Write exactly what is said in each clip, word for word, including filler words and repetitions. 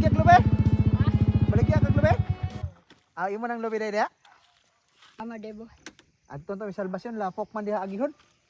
baligya kag lubi? Baligya kag lubi? Ah, imo nang lubi dai dia? Ama debo. Adto ta salbasyon lapok man diha agihon.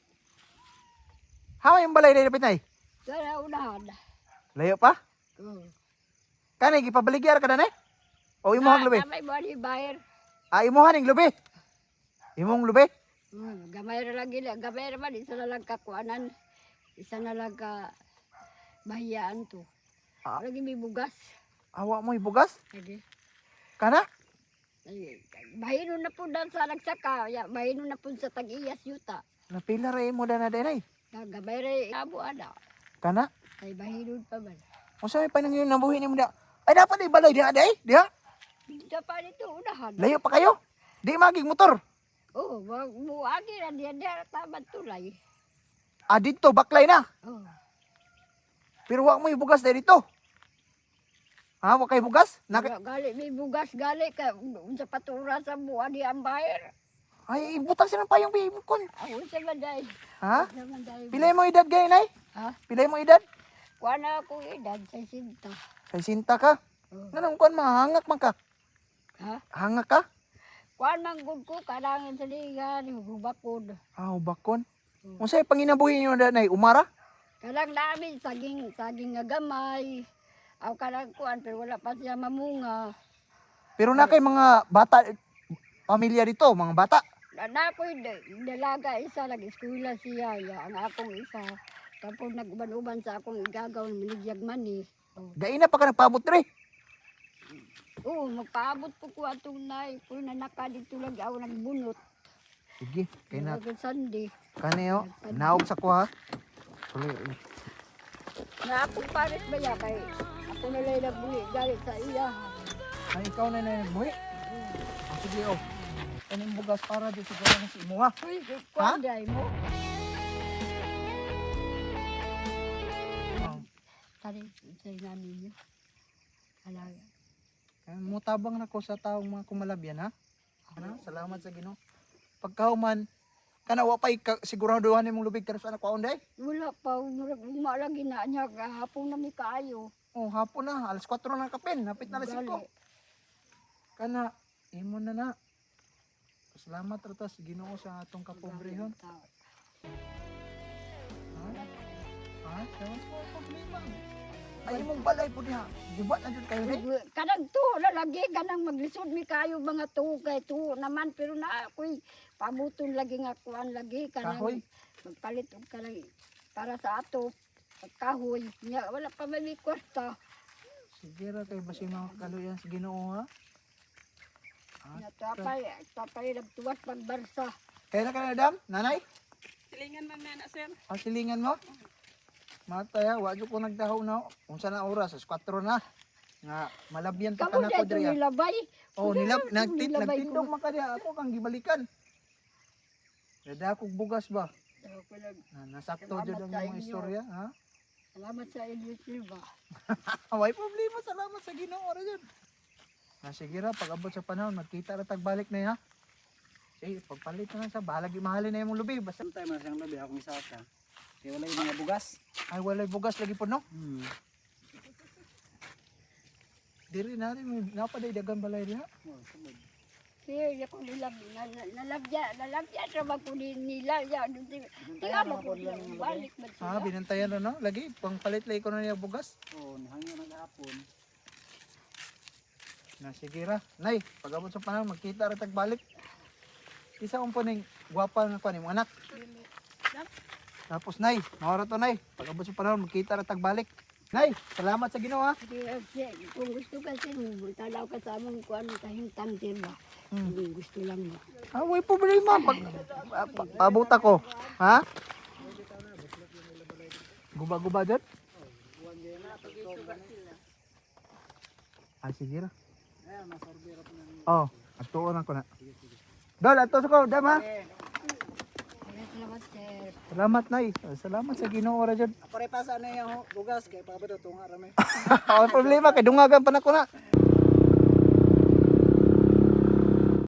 Hawa yung balay dai dapit nay? Sana unahan. Layo pa? Oo. Kani gipabaligya ka na o imuhang lubi? Gamay mo ni bayar. Ah, imuhan ning lubi. Imong lubi? Hmm, gamay ra lang gila. Gamay ra man isa na lang kakuanan. Isa na lang ka bahiyaan to. Ah. Lagi may bugas. Awa mo ibugas? Lagi. Kana? Ay, bahino na po dan sa nagsaka. Ya, bahino na po sa tag-iyas yuta. Napila ra imo dana dai nay. Gamay ra abo ana. Kana? Ay bahino pa man. Unsa may panangyon nabuhi nimo da? Ay dapat ay balay diha dai, diha. Sa pa dito unahan. Layo pa kayo. Di magig motor. Oh, wag mo agi ra diya diya taban tulay. Ah, dito baklay na. Oh. Pero wa mo ibugas dai dito. Ha, wa kay bugas? Naka Wala, gali may bugas gali ka unsa patura sa buwan di ang bayar. ay ibutang sila pa yung bibukon. Ako sa manday. Ha? Sa manday. Pilay mo edad gay nay? Ha? Pilay mo edad? Kuha na ako edad sa sinta. Kay sinta ka. Oh. Nanong kon mahangak man ka. Ha? Hangak ka? Kuha man gud ko kadangin sa ligan hubakod. Ah, bakon. Hmm. Unsay panginabuhi niyo da nay? Umara? Kadang namin saging saging nga gamay. Aw kadang kuan pero wala pa siya mamunga. Pero na kay mga bata pamilya dito, mga bata. Na ko dalaga isa lagi eskwela siya ya ang akong isa. Tapos nag-uban-uban sa akong igagaw minigyag man ni. Oh. Dai na pa ka nagpaabot diri. Oo, magpaabot po ko atong nay. Kung nanaka dito lagi ako nagbunot. Sige, kay na Kaya Sunday. kaniyo. Naog sa ko ha. Tuloy. Na akong pares ba ya kay ako na lang nagbuli galit sa iya. Ay ikaw na na buhi. Ah, sige oh. Kaning bugas para di siguro na si imo ha. Uy, kuan day mo. Ah, Tari, sa namin niyo. Alaga. Ay, mutabang na ko sa taong mga kumalabyan ha. Ano? Salamat sa Ginoo. Pagkauman kana wa pay ka, siguraduhan nimong lubig karon sa anak ko day. Wala pa, umalagi na niya. Hapon na may kaayo. Oh, hapon na, alas kwatro na kapin, hapit na alas Gali. singko. Kana imo na na. Salamat ra ta sa Ginoo sa atong kapobrehon. Ha? Ha? Sawan ko problema. Ay imong balay po diha. Guba na jud kayo ni. Kanang to na lagi kanang maglisod mi kayo mga to kay to naman pero na ako'y pabuton lagi nga kuan lagi kanang Kahoy? magpalit og kanang para sa ato kahoy nya wala pa may kwarta Sige ra kay basi makakaluyan sa Ginoo ha. nya tapay tapay nagtuwas pagbarsa. Kaya na ka na dam, nanay? Silingan man na sir. Ang silingan mo? Mataya, wa jud ko nagdahaw na. Unsa na oras? As kwatro na. Nga malabyan pa Kamu kana dai ko to diri. nilabay. Oh, nilab nagtit Nilabay nagtindog ko. man ka diha. Ako kang gibalikan. Dada kog bugas ba? Ako nag- Ah, nasakto Salamat jud ang sa mga inyo. istorya, ha? Salamat sa inyo Silva. Away problema, salamat sa Ginoo ra jud. Ah, sige ra, pag abot sa panahon, magkita ra tagbalik na ha. Sige, pagpalit na lang sa balag mahalin na imong lubi. Basta Samtay man siyang labi akong isaka. Kaya wala yung mga bugas. ay walay bugas lagi po no. Hmm. Diri na rin, may napaday dagang balay diha. Oh, sabod. Siya ko nilab nal- nalabya nalabya ra ba ko ni- nila ya tingnan mo ko nila balik man Ah, sila. binantayan ra no. Lagi pang palit lagi ko na niya bugas. Oh, nahangyo naghapon. Na sige ra. Nay, pag abot sa panahon, magkita ra tagbalik. Isa un po ning gwapa nga kuan imong anak. Tapos nay, mawara to nay. Pag abot sa panahon, magkita ra tagbalik. Nay, salamat sa Ginoo ha. Kaya siya, kung gusto kasi talaw ka sa among kuan kahintang ba. Hmm. Hindi gusto lang mo. Ah, way problema pag pa- pa- paabot ako. Ha? Guba-guba dyan? Ah, sige ra. Ayan, masorbero po namin. Oh, atuon ako na. Dol, ato sa ko, dam ha. Kaya salamat sir. Salamat nay. Salamat sa Ginoo ra dyan. Ako rin pa sa ano yung bugas. Kaya pabado tunga ramay. Ang problema kay dungagan pa na ko na.